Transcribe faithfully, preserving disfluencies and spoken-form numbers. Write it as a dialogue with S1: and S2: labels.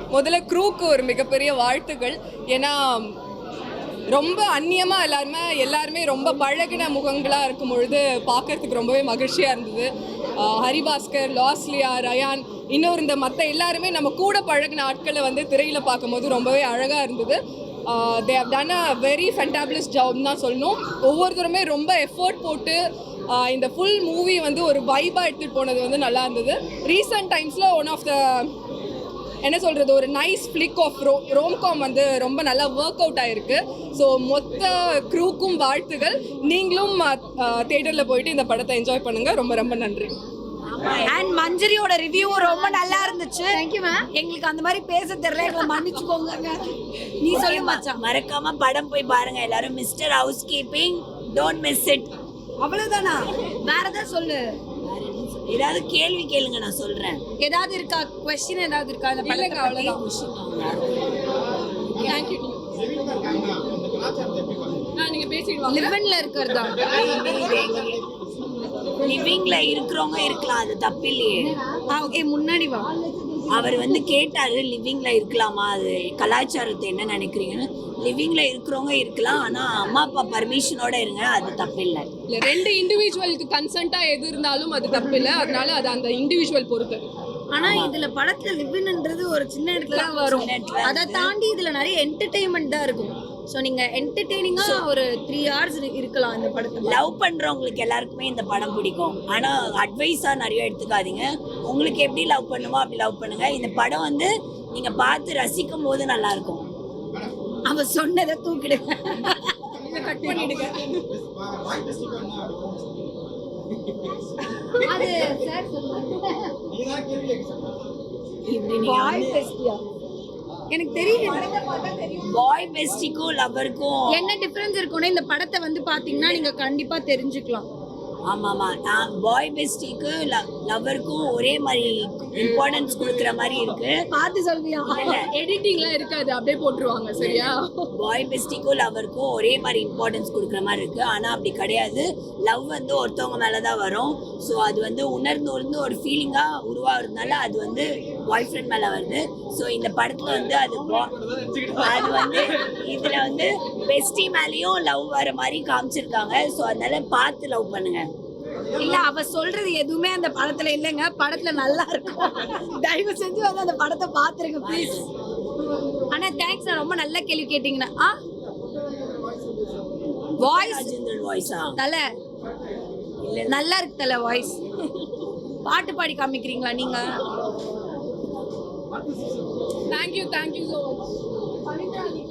S1: முதல்ல க்ரூக்கு ஒரு மிகப்பெரிய வாழ்த்துக்கள். ஏன்னா ரொம்ப அந்நியமாக எல்லாருமே எல்லாருமே ரொம்ப பழகின முகங்களாக இருக்கும் பொழுது பார்க்கறதுக்கு ரொம்பவே மகிழ்ச்சியாக இருந்தது. ஹரிபாஸ்கர், லாஸ்லியா, ரயான், இன்னொரு இந்த மற்ற எல்லாருமே நம்ம கூட பழகின ஆட்களை வந்து திரையில் பார்க்கும்போது ரொம்பவே அழகாக இருந்தது. They have done a very fantabulous job தான் சொல்லணும். ஒவ்வொருத்தருமே ரொம்ப எஃபோர்ட் போட்டு இந்த ஃபுல் மூவி வந்து ஒரு வைபாக எடுத்துகிட்டு போனது வந்து நல்லா இருந்தது. ரீசெண்ட் டைம்ஸில் ஒன் ஆஃப் த என்ன சொல்கிறது ஒரு நைஸ் ஃப்ளிக் ஆஃப் ரோ ரோம்காம் வந்து ரொம்ப நல்லா ஒர்க் அவுட் ஆகிருக்கு. ஸோ மொத்த க்ரூக்கும் வாழ்த்துகள். நீங்களும் தியேட்டரில் போயிட்டு இந்த படத்தை என்ஜாய் பண்ணுங்கள். ரொம்ப ரொம்ப நன்றி.
S2: அண்ட் மஞ்சரியோட ரிவ்யூவும் ரொம்ப நல்லா இருந்துச்சு. Thank you ma'am. எங்களுக்கு அந்த மாதிரி பேச தெரியல, எங்களை மன்னிச்சுக்கோங்க. நீ சொல்லி மச்சான்,
S3: மறக்காம படம் போய் பாருங்க எல்லாரும். Mister house keeping, don't miss it.
S2: அவ்வளவுதானா? வேற ஏதாவது சொல்லு.
S3: ஏதாவது கேள்வி கேளுங்க, நான் சொல்றேன்.
S2: ஏதாவது இருக்கா क्वेश्चन? ஏதாவது இருக்கா அந்த படத்துக்கு? அவ்வளவுதான்.
S1: Thank you. நீங்க பேசிடுவாங்க.
S2: லிவன்ல இருக்கிறதா?
S3: லிவிங்ல இருக்கிறவங்க இருக்கலாம், அது தப்பு இல்லையே.
S2: ஓகே, முன்னாடி வா.
S3: அவர் வந்து கேட்டாரு லிவிங்ல இருக்கலாமா, அது கலாச்சாரத்தை என்ன நினைக்கிறீங்கன்னு. லிவிங்ல இருக்கிறவங்க இருக்கலாம், ஆனா அம்மா அப்பா பர்மிஷனோட இருங்க, அது தப்பு இல்லை.
S1: இல்லை, ரெண்டு இண்டிவிஜுவலுக்கு கன்சென்ட்டா எது இருந்தாலும் அது தப்பு இல்லை. அதனால அது அந்த இண்டிவிஜுவல் பொறுத்து.
S2: ஆனா இதுல படத்துல லிவ்ன்ன்றது ஒரு சின்ன இடத்துல தான் வரும். அதை தாண்டி இதுல நிறைய என்டர்டெயின்மெண்ட் தான் இருக்கும். ஸோ நீங்க என்டர்டெய்னிங்கா ஒரு த்ரீ ஹவர்ஸ் இருக்கலாம் இந்த படத்தை.
S3: லவ் பண்றவங்களுக்கு எல்லாருக்குமே இந்த படம் பிடிக்கும். ஆனா அட்வைஸா நிறைய எடுத்துக்காதீங்க. உங்களுக்கு எப்படி லவ் பண்ணுமோ அப்படி லவ் பண்ணுங்க. இந்த படம் வந்து நீங்க பார்த்து ரசிக்கும் போது நல்லா இருக்கும்.
S2: அவ சொன்னதை தூக்கிடுங்க,
S1: கட் பண்ணிடுங்க.
S2: அது சார் எனக்கு தெரியும்.
S3: பாய் பெஸ்டிக்கும் லவ்வருக்கும்
S2: என்ன டிஃபரன்ஸ் இருக்கும்னா இந்த படத்தை வந்து பாத்தீங்கன்னா நீங்க கண்டிப்பா தெரிஞ்சுக்கலாம்.
S3: ஆமாம்மா, நான் பாய் பெஸ்டிக்கு லவ்வருக்கும் ஒரே மாதிரி இம்பார்ட்டன்ஸ் கொடுக்குற மாதிரி இருக்கு.
S2: பார்த்து சொல்வியா?
S1: எடிட்டிங்லாம் இருக்காது, அப்படியே போட்டுருவாங்க. சரியா?
S3: பாய் பெஸ்டிக்கும் லவ்வருக்கும் ஒரே மாதிரி இம்பார்ட்டன்ஸ் கொடுக்குற மாதிரி இருக்கு. ஆனால் அப்படி கிடையாது. லவ் வந்து ஒருத்தவங்க மேலே தான் வரும். ஸோ அது வந்து உணர்ந்து உணர்ந்து ஒரு ஃபீலிங்காக உருவாகிறதுனால அது வந்து பாய் ஃப்ரெண்ட் மேலே வருது. ஸோ இந்த படத்தில் வந்து அது அது வந்து இதில் வந்து பெஸ்டி மேலேயும் லவ் வர மாதிரி காமிச்சிருக்காங்க. ஸோ அதனால பார்த்து லவ் பண்ணுங்க.
S2: இல்ல, அவ சொல்றது எதுவுமே அந்த படத்துல இல்லைங்க. படத்துல நல்லா இருக்கும். தயவு செஞ்சு வந்து அந்த படத்தை பாத்துருங்க ப்ளீஸ். ஆனா தேங்க்ஸ், ரொம்ப நல்ல கேள்வி கேட்டீங்கன்னா. ஆ வாய்ஸ்
S3: வாய்ஸா
S2: தல நல்லா இருக்கு தல வாய்ஸ். பாட்டு பாடி காமிக்கிறீங்களா நீங்க?
S1: Thank you thank you so much.